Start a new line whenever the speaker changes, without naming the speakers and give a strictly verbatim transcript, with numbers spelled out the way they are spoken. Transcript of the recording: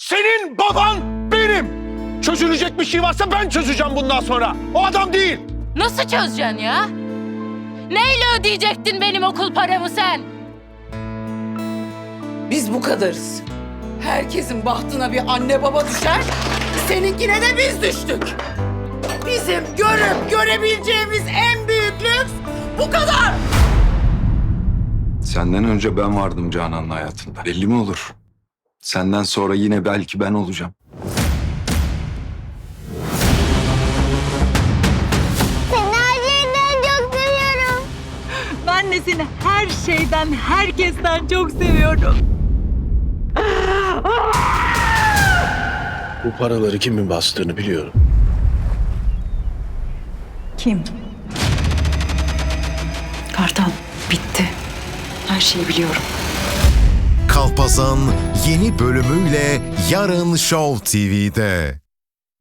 Senin baban benim. Çözülecek bir şey varsa ben çözeceğim bundan sonra. O adam değil.
Nasıl çözeceksin ya? Neyle ödeyecektin benim okul paramı sen?
Biz bu kadarız. Herkesin bahtına bir anne baba düşer, seninkine de biz düştük. Bizim görüp görebileceğimiz en büyük lüks bu kadar.
Senden önce ben vardım Canan'ın hayatında. Belli mi olur? Senden sonra yine belki ben olacağım.
Seni her şeyden çok seviyorum.
Ben de seni her şeyden, herkesten çok seviyorum.
Bu paraları kimin bastığını biliyorum.
Kim? Kartal, bitti. Her şeyi biliyorum.
Kalpazan yeni bölümüyle yarın Show T V'de.